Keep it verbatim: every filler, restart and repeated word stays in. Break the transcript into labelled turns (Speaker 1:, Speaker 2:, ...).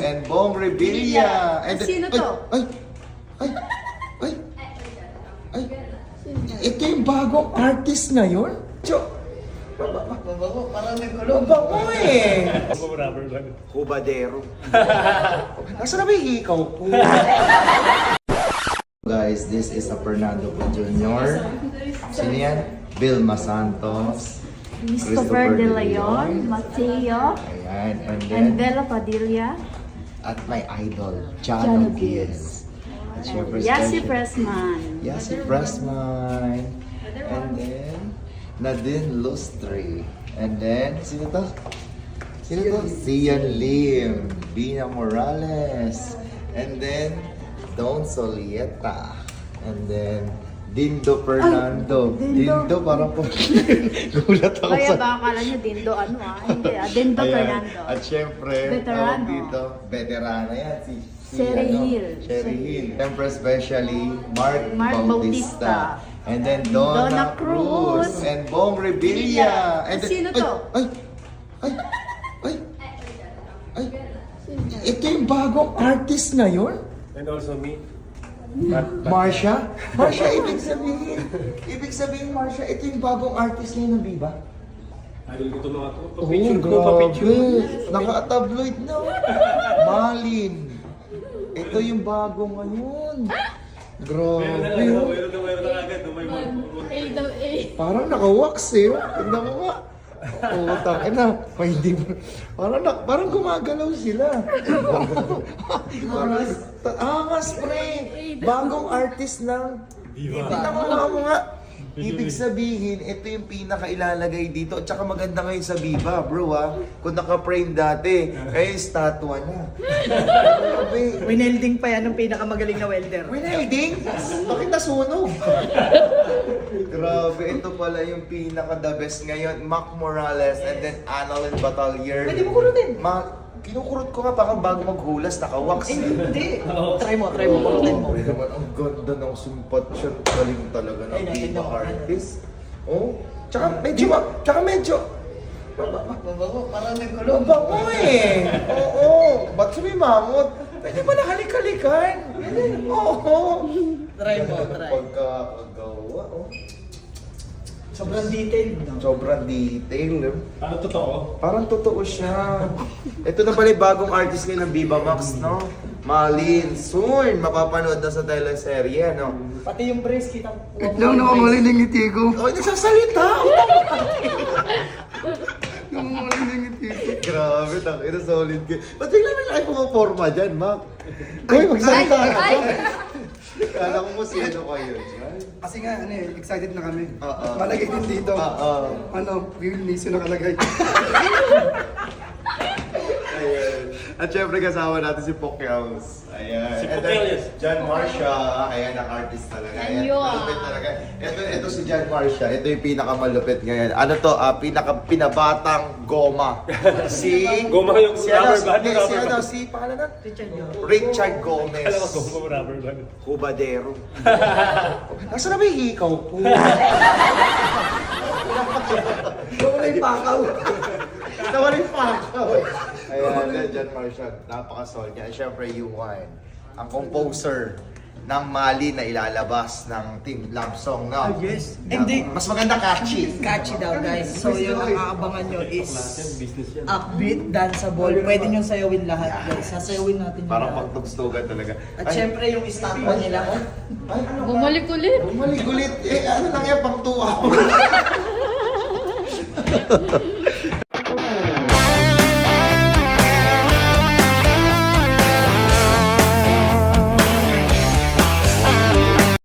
Speaker 1: and Bong Revilla. And
Speaker 2: Sino to?
Speaker 1: Ay, ay, ay, ay, ay. Ito yung bagong artist ngayon? Cho,
Speaker 3: Mabago, parang nagkulong.
Speaker 1: mabango eh.
Speaker 4: Rubber band.
Speaker 1: Kubadero. Nasaan na ba yung hikaw po? Guys, this is a Fernando Po Junior Sino yan? Vilma Santos.
Speaker 2: Christopher De Leon, Mateo,
Speaker 1: Ayan, and then,
Speaker 2: and Bella Padilla,
Speaker 1: at my idol, Jano
Speaker 2: Jano
Speaker 1: Giz. At syempre,
Speaker 2: Yasi
Speaker 1: special-
Speaker 2: Pressman.
Speaker 1: Yasi Pressman. And then, Nadine Lustre. And then, sino to? Sino to? Sian Lim. Bina Morales. And then, Don Solieta. And then, Dindo Fernando.
Speaker 2: Dindo.
Speaker 1: Dindo, parang po. Gulat ako
Speaker 2: Kaya
Speaker 1: sa...
Speaker 2: ba akala niyo Dindo ano ah? Hindi ah, Dindo
Speaker 1: Ayan.
Speaker 2: Fernando.
Speaker 1: At syempre,
Speaker 2: Veterano.
Speaker 1: tawag dito, veterana yan. Si, si
Speaker 2: Sherry
Speaker 1: ano,
Speaker 2: Hill.
Speaker 1: Sherry Hill. Siyempre, especially, Mark,
Speaker 2: Mark
Speaker 1: Bautista.
Speaker 2: Bautista.
Speaker 1: And then, Donna,
Speaker 2: Donna
Speaker 1: Cruz.
Speaker 2: Cruz.
Speaker 1: And Bong Revilla. And then,
Speaker 2: Sino to?
Speaker 1: Ay, ay, ay, ay, ay. Ito yung bagong artist ngayon?
Speaker 4: And also me.
Speaker 1: Marsha? Marsha, ibig sabihin, ibig sabihin, Marsha, ito yung bagong artist ngayon ng Viva?
Speaker 4: Idol ko ito mga to.
Speaker 1: Oo,
Speaker 4: Pa-picture ko,
Speaker 1: grabe.
Speaker 4: pa-picture.
Speaker 1: Naka-tabloid na. Malin. Ito yung bago ngayon. Grabe.
Speaker 4: Meron na lang,
Speaker 1: oh.
Speaker 4: meron na, meron na agad. May mga-
Speaker 1: Parang naka-wax eh. Tignan mo nga. Utang ina. May hindi mo. Parang, na, parang gumagalaw sila. Angas. Angas, pre. Bagong artist ng
Speaker 4: Viva.
Speaker 1: Tignan mo nga mo nga. Ibig sabihin, ito yung pinaka-ilalagay dito. At saka maganda ngayon sa Viva, bro ha. Kung naka-frame dati, kaya yung statwa na. Grabe.
Speaker 3: Winelding pa yan ng pinakamagaling na welder.
Speaker 1: Winelding? Bakit nasunog? Grabe, ito pala yung pinaka-the best ngayon. Mac Morales and then Annalyn Batalier.
Speaker 3: Pwede mo kurutin.
Speaker 1: Ma, kinukurot ko nga parang bago maghulas, naka-wax.
Speaker 3: Eh, hindi. Try mo, try mo, kurutin mo.
Speaker 1: Grabe naman, ang ganda ng sumpat siya. Galing talaga ng
Speaker 3: Ay, natin
Speaker 1: Viva
Speaker 3: naman.
Speaker 1: artist. Oh, tsaka medyo, ma- tsaka medyo,
Speaker 3: Mabago, parang nagkulong.
Speaker 1: mabango eh. Oo, ba't sumimangot? Pwede ba nahalik-halikan? Oo.
Speaker 3: Try mo, try.
Speaker 1: Pagkakagawa, oh.
Speaker 3: Sobrang detailed, no?
Speaker 1: Sobrang detail. eh.
Speaker 4: Ano totoo?
Speaker 1: Parang totoo siya. Ito na pala yung bagong artist ngayon ng Viva Max, no? Malin. Soon, mapapanood na sa teleserye, no?
Speaker 3: Pati yung brace, kitang...
Speaker 5: Lang nakamaling ng ngiti ko.
Speaker 1: Oh, nagsasalita!
Speaker 5: Nakamaling ng ngiti ko.
Speaker 1: Grabe, tang ina solid ka. Ba't bigla may laki pumaporma dyan, Mac? Uy, magsalita ka. Kala ko kung sino kayo dyan.
Speaker 5: Kasi nga, ano eh, excited na kami.
Speaker 1: Oo.
Speaker 5: Malagay din dito.
Speaker 1: Oo.
Speaker 5: Ano, Will Niso nakalagay.
Speaker 1: Ayan. At syempre kasama natin si Pokyams. Ayan.
Speaker 4: Si
Speaker 1: And
Speaker 4: Pokyams.
Speaker 1: then, John Marcia. Ayan, ang artist talaga. Ayan,
Speaker 2: Ayun.
Speaker 1: malupit talaga. Ito, ito si John Marcia. Ito yung pinakamalupit ngayon. Ano to? Ah, pinaka pinabatang goma. Si...
Speaker 4: Goma yung
Speaker 1: si ano,
Speaker 4: rubber band,
Speaker 1: si,
Speaker 4: rubber
Speaker 1: si, ano,
Speaker 4: band.
Speaker 1: si pangalan na?
Speaker 3: Richard yun.
Speaker 1: Richard Gomez.
Speaker 4: Alam ko kung rubber band.
Speaker 1: Kubadero. Nasaan na ba yung hikaw po?
Speaker 5: Wala yung pakaw.
Speaker 1: Nawala yung pakaw. Ayan, then John Marcia, napaka-solid niya. Siyempre, Yuan, ang composer ng Mali na ilalabas ng Team Love Song, no?
Speaker 3: Ah, yes.
Speaker 1: Na-
Speaker 3: Hindi.
Speaker 1: Mas maganda catchy.
Speaker 3: Catchy daw, guys. So, yung nakaabangan nyo is
Speaker 4: Business yan.
Speaker 3: upbeat, danceable. Pwede nyo sayawin lahat, guys. Sasayawin natin yung
Speaker 1: Parang
Speaker 3: lahat.
Speaker 1: pagtugstugan talaga.
Speaker 3: At syempre, yung estatwa nila.
Speaker 1: Ay, ano ka?
Speaker 2: Bumalik ulit.
Speaker 1: Bumalik ulit. Eh, ano lang yan, pang tuwa.